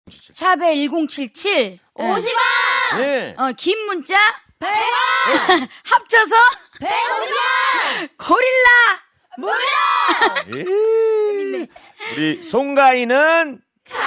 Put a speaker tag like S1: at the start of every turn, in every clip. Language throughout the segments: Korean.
S1: 샵에 1077
S2: 50원!
S3: 네.
S1: 긴 문자
S2: 100원!
S1: 합쳐서
S2: 150원!
S1: 고릴라
S2: 무료!
S3: 예. 우리 송가인은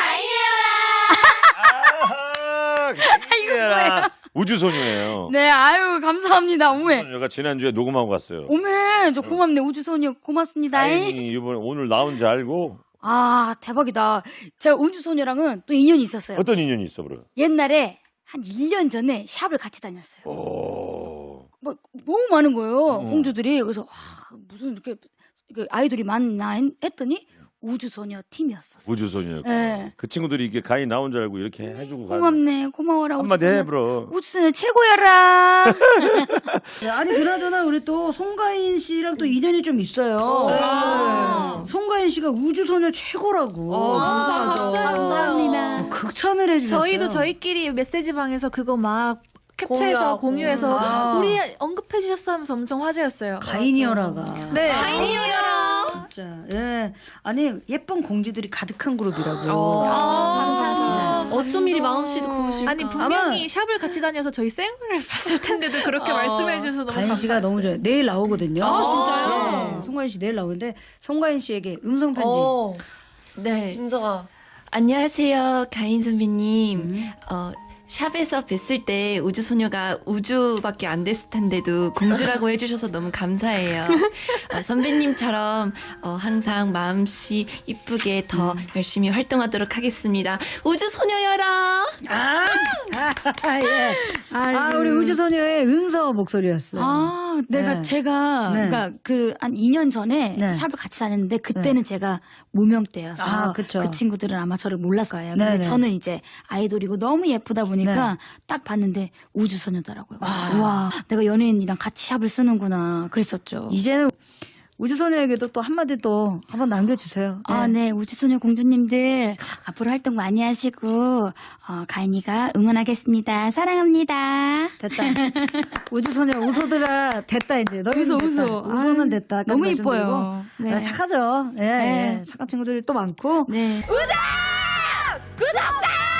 S3: 아하, 가인이라 우주소녀예요.
S1: 네, 아유 감사합니다. 오메
S3: 우주소녀가 지난주에 녹음하고 갔어요.
S1: 오메 저 고맙네. 우주소녀 고맙습니다.
S3: 가인이 이번에 오늘 나온 줄 알고
S1: 아 대박이다. 제가 우주소녀랑은 또 인연이 있었어요.
S3: 어떤 인연이 있어, 그래?
S1: 옛날에 한 1년 전에 샵을 같이 다녔어요.
S3: 오.
S1: 막 너무 많은 거예요. 공주들이. 그래서 와, 무슨 이렇게 아이돌이 많나 했더니 우주소녀 팀이었었어요.
S3: 우주소녀.
S1: 네.
S3: 그 친구들이 이게 가인 나온 줄 알고 이렇게 해주고 가는.
S1: 고맙네. 고마워라.
S3: 한마디
S1: 우주소녀.
S3: 해, 브로.
S1: 우주소녀 최고여라.
S4: 네, 아니 그나저나 우리 또 송가인 씨랑 또 인연이 좀 있어요. 네. 송가인 씨가 우주소녀 최고라고.
S2: 감사하죠.
S5: 감사합니다.
S4: 극찬을 해주셨어요.
S5: 저희도 저희끼리 메시지방에서 그거 막 캡처해서 공유해서 우리 언급해 주셨어 하면서 엄청 화제였어요.
S4: 가인이어라가.
S5: 네.
S2: 가인이어라!
S4: 진짜. 예. 아니 예쁜 공주들이 가득한 그룹이라고.
S5: 감사합니다.
S2: 어쩜 이리 마음씨도 고우실까?
S5: 아니 분명히
S4: 아마-
S5: 샵을 같이 다녀서 저희 생얼을 봤을 텐데도 그렇게 말씀해 주셔서 너무
S4: 가인 씨가
S5: 감사했어요.
S4: 너무 좋아요. 내일 나오거든요.
S2: 진짜요?
S4: 네, 송가인 씨 내일 나오는데 송가인 씨에게 음성 편지.
S2: 네.
S6: 윤서가 안녕하세요 가인 선배님. 샵에서 뵀을 때 우주소녀가 우주밖에 안 됐을 텐데도 공주라고 해주셔서 너무 감사해요. 선배님처럼 항상 마음씨 이쁘게 더 열심히 활동하도록 하겠습니다. 우주소녀여라.
S4: 예. 아 우리 우주소녀의 은서 목소리였어요.
S1: 아,
S4: 네.
S1: 제가
S4: 네.
S1: 그러니까 그 한 2년 전에
S4: 네.
S1: 샵을 같이 다녔는데 그때는 제가 무명때여서
S4: 아, 그쵸.
S1: 그 친구들은 아마 저를 몰랐을 거예요. 근데
S4: 네네.
S1: 저는 이제 아이돌이고 너무 예쁘다 보니까 딱 봤는데 우주소녀더라고요. 와, 내가 연예인이랑 같이 샵을 쓰는구나. 그랬었죠.
S4: 이제는 우주소녀에게도 또 한마디 또 한번 남겨주세요.
S1: 아, 네. 우주소녀 공주님들 앞으로 활동 많이 하시고 가인이가 응원하겠습니다. 사랑합니다.
S4: 됐다. 우주소녀 웃어들아 됐다 이제. 너희
S1: 웃어,
S4: 됐다.
S1: 웃어.
S4: 웃어는
S1: 아유,
S4: 됐다.
S1: 너무
S4: 말씀드리고.
S1: 이뻐요. 네.
S4: 아, 착하죠. 예,
S1: 네.
S4: 예. 착한 친구들이 또 많고.
S1: 네.
S2: 구독자!